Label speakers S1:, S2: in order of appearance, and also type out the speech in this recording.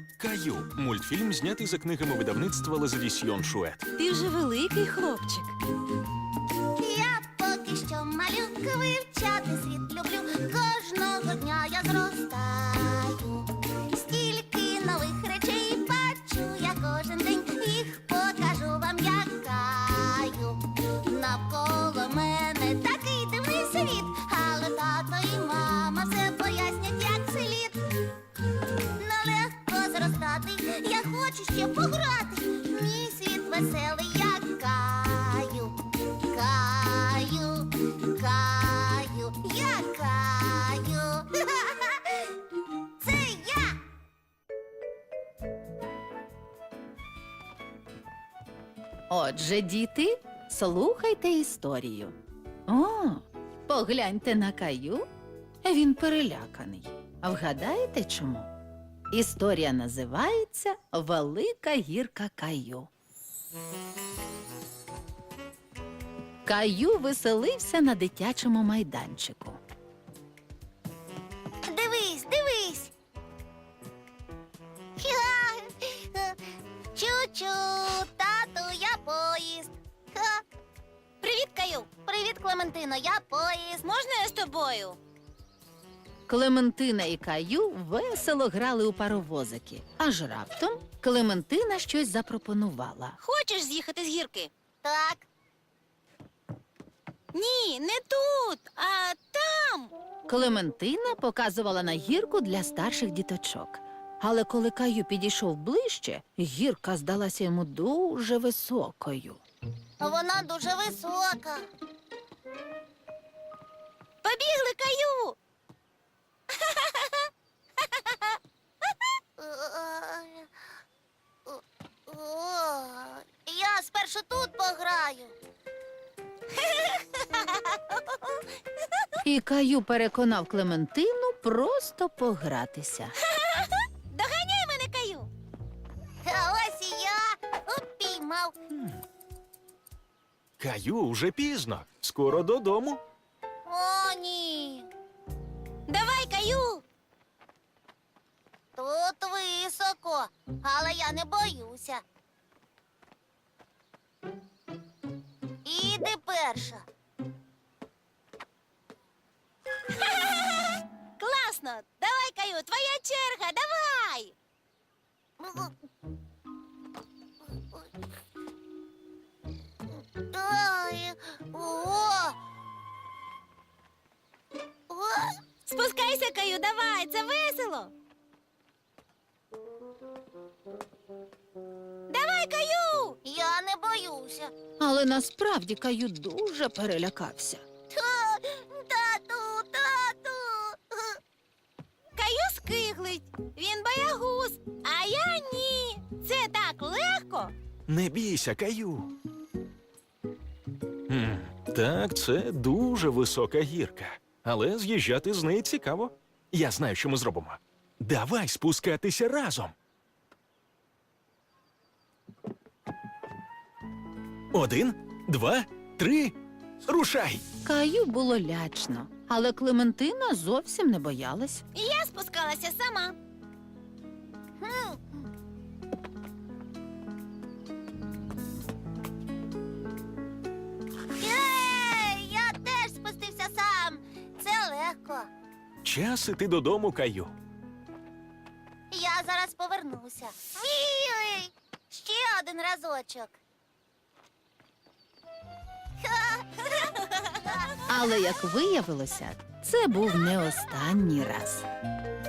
S1: Каю. Мультфільм знятий за книгами видавництва Лазадісьйон Шует.
S2: Ти вже великий хлопчик.
S3: Я поки що малюка, вивчати світ люблю. Кожного дня я зростаю. Стільки нових речей бачу я кожен день. Їх покажу вам, як Каю. Навколо мене такий дивний світ, але тато і мама все пояснять, як слід. Нелегко зростати, я хочу ще пограти. Мій світ веселий, як Каю. Каю, Каю, я Каю. Це я.
S2: Отже, діти, слухайте історію. О, погляньте на Каю. Він переляканий. А вгадаєте чому? Історія називається «Велика гірка Каю». Каю веселився на дитячому майданчику.
S3: Дивись, дивись. Чу-чу, тату, я поїзд. Привіт, Каю. Привіт, Клементино, я поїзд. Можна я з тобою?
S2: Клементина і Каю весело грали у паровозики. Аж раптом Клементина щось запропонувала.
S4: Хочеш з'їхати з гірки?
S3: Так.
S4: Ні, не тут, а там.
S2: Клементина показувала на гірку для старших діточок. Але коли Каю підійшов ближче, гірка здалася йому дуже високою.
S3: Вона дуже висока.
S4: Побігли, Каю!
S3: Я спершу тут пограю.
S2: І Каю переконав Клементину просто погратися.
S4: Доганяй мене, Каю!
S3: А ось і я упіймав.
S1: Каю, вже пізно. Скоро додому.
S3: О, ні.
S4: Давай, Каю!
S3: Тут високо, але я не боюся. Іди перша.
S4: Класно! Давай, Каю, твоя черга, давай!
S3: Ой, о! О!
S4: Спускайся, Каю, давай, це весело! Давай, Каю!
S3: Я не боюся.
S2: Але насправді Каю дуже перелякався.
S3: Тату, тату.
S4: Каю скиглить, він боягуз, а я ні. Це так легко.
S1: Не бійся, Каю. Так, це дуже висока гірка. Але з'їжджати з неї цікаво. Я знаю, що ми зробимо. Давай спускатися разом. 1, 2, 3. Рушай!
S2: Каю було лячно, але Клементина зовсім не боялась.
S4: І я спускалася сама.
S3: Єй, я теж спустився сам. Це легко.
S1: Час іти додому, Каю.
S3: Я зараз повернуся. Ой, ще один разочок.
S2: Але, як виявилося, це був не останній раз.